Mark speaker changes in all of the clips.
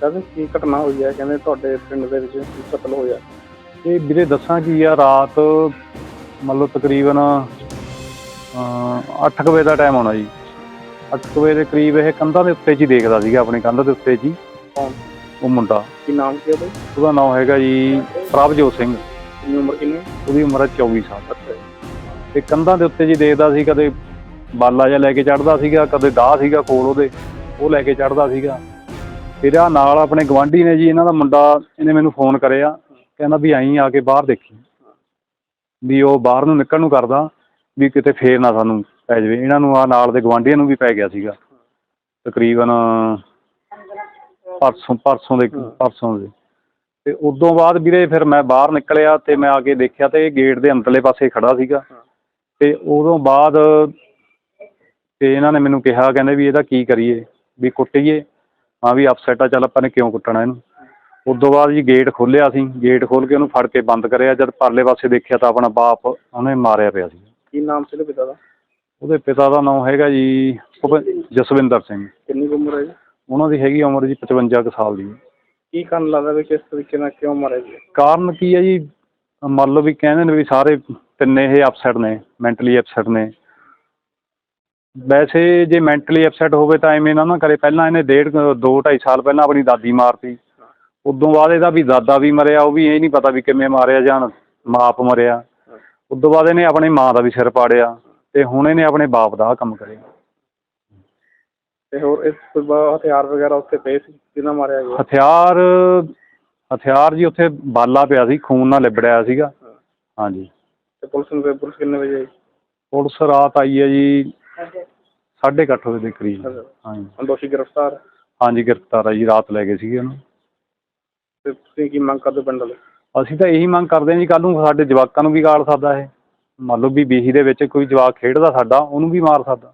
Speaker 1: ਕਹਿੰਦੇ ਕੀ ਘਟਨਾ ਹੋਈ ਹੈ? ਕਹਿੰਦੇ ਤੁਹਾਡੇ ਪਿੰਡ ਦੇ ਵਿੱਚ ਕਤਲ ਹੋਇਆ।
Speaker 2: ਇਹ ਵੀਰੇ ਦੱਸਾਂ ਕੀ ਆ, ਰਾਤ ਮੰਨ ਲਓ ਤਕਰੀਬਨ 8 ਵਜੇ ਦਾ ਟਾਈਮ ਹੋਣਾ ਜੀ। 8 ਵਜੇ ਦੇ ਕਰੀਬ ਇਹ ਕੰਧਾਂ ਦੇ ਉੱਤੇ 'ਚ ਹੀ ਦੇਖਦਾ ਸੀਗਾ, ਆਪਣੀ ਕੰਧ ਦੇ ਉੱਤੇ 'ਚ ਹੀ।
Speaker 1: ਕੌਣ?
Speaker 2: ਉਹ ਮੁੰਡਾ।
Speaker 1: ਕੀ ਨਾਮ ਕੀ ਉਹਦਾ?
Speaker 2: ਉਹਦਾ ਨਾਮ ਹੈਗਾ ਜੀ ਪ੍ਰਭਜੋਤ ਸਿੰਘ।
Speaker 1: ਕਿੰਨੀ ਉਮਰ ਕਿੰਨੀ?
Speaker 2: ਉਹਦੀ ਉਮਰ ਹੈ 24 ਸਾਲ। ਤੇ ਕੰਧਾਂ ਦੇ ਉੱਤੇ ਜੀ ਦੇਖਦਾ ਸੀ, ਕਦੇ ਬਾਲਾ ਜਿਹਾ ਲੈ ਕੇ ਚੜ੍ਹਦਾ ਸੀਗਾ, ਕਦੇ ਦਾਹ ਸੀਗਾ ਕੋਲ ਉਹਦੇ, ਉਹ ਲੈ ਕੇ ਚੜ੍ਹਦਾ ਸੀਗਾ। ਫਿਰ ਆਹ ਨਾਲ ਆਪਣੇ ਗਵਾਂਢੀ ਨੇ ਜੀ, ਇਹਨਾਂ ਦਾ ਮੁੰਡਾ, ਇਹਨੇ ਮੈਨੂੰ ਫੋਨ ਕਰਿਆ, ਕਹਿੰਦਾ ਵੀ ਆਈਂ ਆ ਕੇ ਬਾਹਰ ਦੇਖੀ, ਵੀ ਉਹ ਬਾਹਰ ਨੂੰ ਨਿਕਲਣ ਨੂੰ ਕਰਦਾ ਵੀ ਕਿਤੇ ਫੇਰ ਨਾ ਸਾਨੂੰ ਪੈ ਜਾਵੇ। ਇਹਨਾਂ ਨੂੰ ਆ ਨਾਲ ਦੇ ਗਵਾਂਢੀਆਂ ਨੂੰ ਵੀ ਪੈ ਗਿਆ ਸੀਗਾ ਤਕਰੀਬਨ ਪਰਸੋਂ ਦੇ। ਤੇ ਉਦੋਂ ਬਾਅਦ ਵੀਰੇ ਫਿਰ ਮੈਂ ਬਾਹਰ ਨਿਕਲਿਆ ਤੇ ਮੈਂ ਆ ਕੇ ਦੇਖਿਆ ਤੇ ਇਹ ਗੇਟ ਦੇ ਅੰਦਰਲੇ ਪਾਸੇ ਖੜਾ ਸੀਗਾ। ਤੇ ਉਦੋਂ ਬਾਅਦ ਤੇ ਇਹਨਾਂ ਨੇ ਮੈਨੂੰ ਕਿਹਾ, ਕਹਿੰਦੇ ਵੀ ਇਹਦਾ ਕੀ ਕਰੀਏ, ਵੀ ਕੁੱਟੀਏ? ਹਾਂ ਵੀ ਅਪਸੈਟ ਆ, ਚੱਲ ਆਪਾਂ ਨੇ ਕਿਉਂ ਕੁੱਟਣਾ ਇਹਨੂੰ। ਉਦੋਂ ਬਾਅਦ ਜੀ ਗੇਟ ਖੋਲ੍ਹਿਆ ਅਸੀਂ, ਗੇਟ ਖੋਲ੍ਹ ਕੇ ਉਹਨੂੰ ਫੜ ਕੇ ਬੰਦ ਕਰਿਆ। ਜਦ ਪਰਲੇ ਪਾਸੇ ਦੇਖਿਆ ਤਾਂ ਆਪਣਾ ਬਾਪ ਉਹਨੇ ਮਾਰਿਆ ਪਿਆ ਸੀ।
Speaker 1: ਕੀ ਨਾਮ ਸੀ ਉਹਦੇ ਪਿਤਾ ਦਾ?
Speaker 2: ਉਹਦੇ ਪਿਤਾ ਦਾ ਨਾਮ ਹੈਗਾ ਜੀ ਜਸਵਿੰਦਰ ਸਿੰਘ।
Speaker 1: ਕਿੰਨੀ ਕੁ ਉਮਰ ਹੈ ਜੀ?
Speaker 2: ਉਹਨਾਂ ਦੀ ਹੈਗੀ ਉਮਰ ਜੀ 55 ਕੁ ਸਾਲ ਦੀ।
Speaker 1: ਕੀ ਕਾਰਨ ਲੱਗਦਾ ਵੀ ਕਿਸ ਤਰੀਕੇ ਨਾਲ ਕਿਉਂ ਮਾਰਿਆ ਜੀ?
Speaker 2: ਕਾਰਨ ਕੀ ਹੈ ਜੀ, ਮੰਨ ਲਓ ਵੀ ਕਹਿੰਦੇ ਨੇ ਵੀ ਸਾਰੇ ਤਿੰਨੇ ਇਹ ਅਪਸੈਟ ਨੇ, ਮੈਂਟਲੀ ਅਪਸੈਟ ਨੇ। ਵੈਸੇ ਜੇ ਮੈਂਟਲੀ ਅਪਸੈਟ ਹੋਵੇ ਤਾਂ ਐਵੇਂ ਨਾ ਕਰੇ। ਪਹਿਲਾਂ ਇਹਨੇ 2-2.5 ਸਾਲ ਪਹਿਲਾਂ ਆਪਣੀ ਦਾਦੀ ਮਾਰਤੀ। ਉਦੋਂ ਬਾਅਦ ਇਹਦਾ ਵੀ ਦਾਦਾ ਵੀ ਮਰਿਆ, ਉਹ ਵੀ ਇਹ ਨਹੀਂ ਪਤਾ ਵੀ ਕਿਵੇਂ ਮਾਰਿਆ ਜਾਂ ਬਾਪ ਮਰਿਆ। ਉਦੋਂ ਬਾਅਦ ਇਹਨੇ ਆਪਣੀ ਮਾਂ ਦਾ ਵੀ ਸਿਰ ਪਾੜਿਆ ਤੇ ਹੁਣ ਇਹਨੇ ਆਪਣੇ ਬਾਪ ਦਾ ਆਹ ਕੰਮ ਕਰਿਆ।
Speaker 1: ਤੇ ਹੋਰ ਇਸ ਤੋਂ ਬਾਅਦ ਹਥਿਆਰ ਵਗੈਰਾ ਉੱਥੇ ਪਏ ਸੀ ਜਿਹਨਾਂ ਮਾਰਿਆ ਗਿਆ?
Speaker 2: ਹਥਿਆਰ ਜੀ ਉੱਥੇ ਬਾਲਾ ਪਿਆ ਸੀ, ਖੂਨ ਨਾਲ ਲਿਬੜਿਆ ਸੀਗਾ। ਹਾਂਜੀ।
Speaker 1: ਤੇ ਪੁਲਿਸ ਕਿੰਨੇ ਵਜੇ ਆਈ?
Speaker 2: ਪੁਲਿਸ ਰਾਤ ਆਈ ਹੈ ਜੀ 8:30 ਵਜੇ ਦੇ ਕਰੀਬ। ਹਾਂਜੀ।
Speaker 1: ਦੋਸ਼ੀ ਗ੍ਰਿਫਤਾਰ?
Speaker 2: ਹਾਂਜੀ ਗ੍ਰਿਫਤਾਰ ਆ ਜੀ, ਰਾਤ ਲੈ ਗਏ ਸੀਗੇ ਉਹਨੂੰ।
Speaker 1: ਤੇ ਤੁਸੀਂ ਕੀ ਮੰਗ ਕਰਦੇ ਪਿੰਡ ਵਾਲੇ?
Speaker 2: ਅਸੀਂ ਤਾਂ ਇਹੀ ਮੰਗ ਕਰਦੇ ਹਾਂ ਜੀ, ਕੱਲ੍ਹ ਨੂੰ ਸਾਡੇ ਜਵਾਕਾਂ ਨੂੰ ਵੀ ਗਾਲ ਸਕਦਾ ਇਹ। ਮੰਨ ਲਓ ਵੀ ਬੀਹੀ ਦੇ ਵਿੱਚ ਕੋਈ ਜਵਾਕ ਖੇਡਦਾ ਸਾਡਾ, ਉਹਨੂੰ ਵੀ ਮਾਰ ਸਕਦਾ।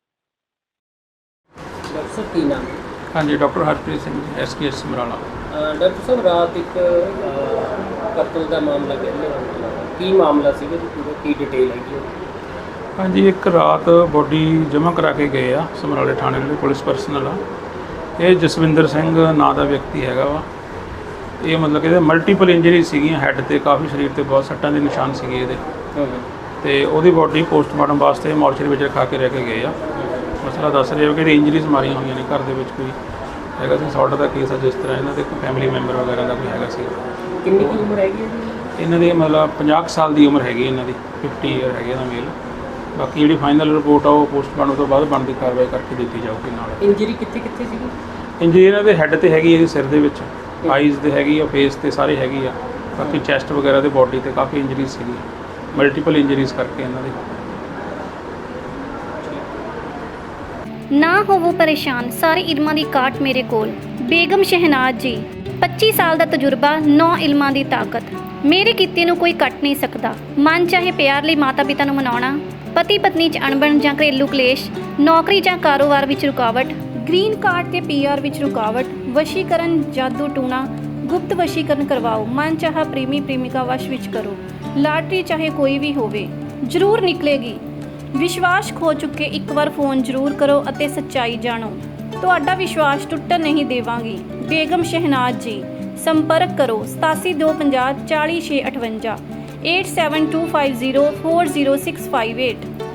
Speaker 3: ਡਾਕਟਰ ਸਾਹਿਬ ਕੀ ਨਾਮ?
Speaker 4: ਹਾਂਜੀ, doctor Harpreet Singh, SKS Samrala.
Speaker 3: Doctor ਸਾਹਿਬ ਰਾਤ ਇੱਕ ਕਤਲ ਦਾ ਮਾਮਲਾ ਕਹਿੰਦੇ, ਕੀ ਮਾਮਲਾ ਸੀਗਾ ਜੀ ਪੂਰਾ, ਕੀ ਡਿਟੇਲ ਹੈਗੀ?
Speaker 4: ਹਾਂਜੀ, ਇੱਕ ਰਾਤ ਬੋਡੀ ਜਮ੍ਹਾਂ ਕਰਾ ਕੇ ਗਏ ਆ ਸਮਰਾਲੇ ਥਾਣੇ ਦੇ ਪੁਲਿਸ ਪਰਸਨਲ ਆ। ਇਹ ਜਸਵਿੰਦਰ ਸਿੰਘ ਨਾਂ ਦਾ ਵਿਅਕਤੀ ਹੈਗਾ ਵਾ। ਇਹ ਮਤਲਬ ਕਿ ਇਹਦੇ ਮਲਟੀਪਲ ਇੰਜਰੀ ਸੀਗੀਆਂ, ਹੈੱਡ 'ਤੇ ਕਾਫੀ, ਸਰੀਰ 'ਤੇ ਬਹੁਤ ਸੱਟਾਂ ਦੇ ਨਿਸ਼ਾਨ ਸੀਗੇ ਇਹਦੇ। ਤੇ ਉਹਦੀ ਬੋਡੀ ਪੋਸਟਮਾਰਟਮ ਵਾਸਤੇ ਮੋਰਚਰੀ ਵਿੱਚ ਰਖਾ ਕੇ ਰਹਿ ਕੇ ਗਏ ਆ। ਮਸਲਾ ਦੱਸ ਰਹੇ ਹੋ ਕਿ ਇਹਦੀ ਇੰਜਰੀਜ਼ ਮਾਰੀਆਂ ਹੋਈਆਂ ਨੇ, ਘਰ ਦੇ ਵਿੱਚ ਕੋਈ ਹੈਗਾ ਸੀ ਸੌਟ ਦਾ ਕੇਸ ਆ, ਜਿਸ ਤਰ੍ਹਾਂ ਇਹਨਾਂ ਦੇ ਕੋਈ ਫੈਮਿਲੀ ਮੈਂਬਰ ਵਗੈਰਾ ਦਾ ਕੋਈ ਹੈਗਾ ਸੀ।
Speaker 3: ਕਿੰਨੀ ਕੁ ਉਮਰ ਹੈਗੀ ਹੈ
Speaker 4: ਇਹਨਾਂ ਦੀ ਮਤਲਬ 50 ਸਾਲ ਦੀ ਉਮਰ ਹੈਗੀ ਇਹਨਾਂ ਦੀ, 50 ਈਅਰ ਹੈਗੇ ਇਹਦਾ ਮੇਲ। ਬਾਕੀ ਜਿਹੜੀ ਫਾਈਨਲ ਰਿਪੋਰਟ ਆ ਉਹ ਪੋਸਟਮਾਰਟਮ ਤੋਂ ਬਾਅਦ ਬਣਦੀ ਕਾਰਵਾਈ ਕਰਕੇ ਦਿੱਤੀ ਜਾਊਗੀ। ਨਾਲ
Speaker 3: ਇੰਜਰੀ ਕਿੱਥੇ ਕਿੱਥੇ ਸੀਗੀ?
Speaker 4: ਇੰਜਰੀ ਇਹਨਾਂ ਦੇ ਹੈੱਡ 'ਤੇ ਹੈਗੀ, ਇਹਦੇ ਸਿਰ ਦੇ ਵਿੱਚ, ਆਈਜ਼ 'ਤੇ ਹੈਗੀ ਆ, ਫੇਸ 'ਤੇ ਸਾਰੇ ਹੈਗੀ ਆ। ਬਾਕੀ ਚੈਸਟ ਵਗੈਰਾ ਦੇ ਬੋਡੀ 'ਤੇ ਕਾਫੀ ਇੰਜਰੀਜ਼ ਸੀਗੀ, ਮਲਟੀਪਲ ਇੰਜਰੀਜ਼ ਕਰਕੇ ਇਹਨਾਂ ਦੀ।
Speaker 5: ਨਾ ਹੋਵੋ ਪਰੇਸ਼ਾਨ, ਸਾਰੇ ਇਲਮਾਂ ਦੀ ਕਾਟ ਮੇਰੇ ਕੋਲ। ਬੇਗਮ ਸ਼ਹਿਨਾਜ਼ ਜੀ, 25 ਸਾਲ ਦਾ ਤਜਰਬਾ, 9 ਇਲਮਾਂ ਦੀ ਤਾਕਤ। ਮੇਰੇ ਕੀਤੇ ਨੂੰ ਕੋਈ ਕੱਟ ਨਹੀਂ ਸਕਦਾ। ਮਨ ਚਾਹੇ ਪਿਆਰ ਲਈ ਮਾਤਾ ਪਿਤਾ ਨੂੰ ਮਨਾਉਣਾ, ਪਤੀ ਪਤਨੀ 'ਚ ਅਣਬਣ ਜਾਂ ਘਰੇਲੂ ਕਲੇਸ਼, ਨੌਕਰੀ ਜਾਂ ਕਾਰੋਬਾਰ ਵਿੱਚ ਰੁਕਾਵਟ, ਗ੍ਰੀਨ ਕਾਰਡ ਤੇ PR ਵਿੱਚ ਰੁਕਾਵਟ, ਵਸ਼ੀਕਰਨ, ਜਾਦੂ ਟੂਣਾ, ਗੁਪਤ ਵਸ਼ੀਕਰਨ ਕਰਵਾਓ, ਮਨ ਚਾਹਾ ਪ੍ਰੇਮੀ ਪ੍ਰੇਮਿਕਾ ਵਸ਼ ਵਿੱਚ ਕਰੋ। ਲਾਟਰੀ ਚਾਹੇ ਕੋਈ ਵੀ ਹੋਵੇ, ਜ਼ਰੂਰ ਨਿਕਲੇਗੀ। ਵਿਸ਼ਵਾਸ ਖੋ ਚੁੱਕੇ ਇੱਕ ਵਾਰ ਫੋਨ ਜ਼ਰੂਰ ਕਰੋ ਅਤੇ ਸੱਚਾਈ ਜਾਣੋ। ਤੁਹਾਡਾ ਵਿਸ਼ਵਾਸ ਟੁੱਟਣ ਨਹੀਂ ਦੇਵਾਂਗੀ। ਬੇਗਮ ਸ਼ਹਿਨਾਜ਼ ਜੀ, ਸੰਪਰਕ ਕਰੋ 8725040658 8725040658।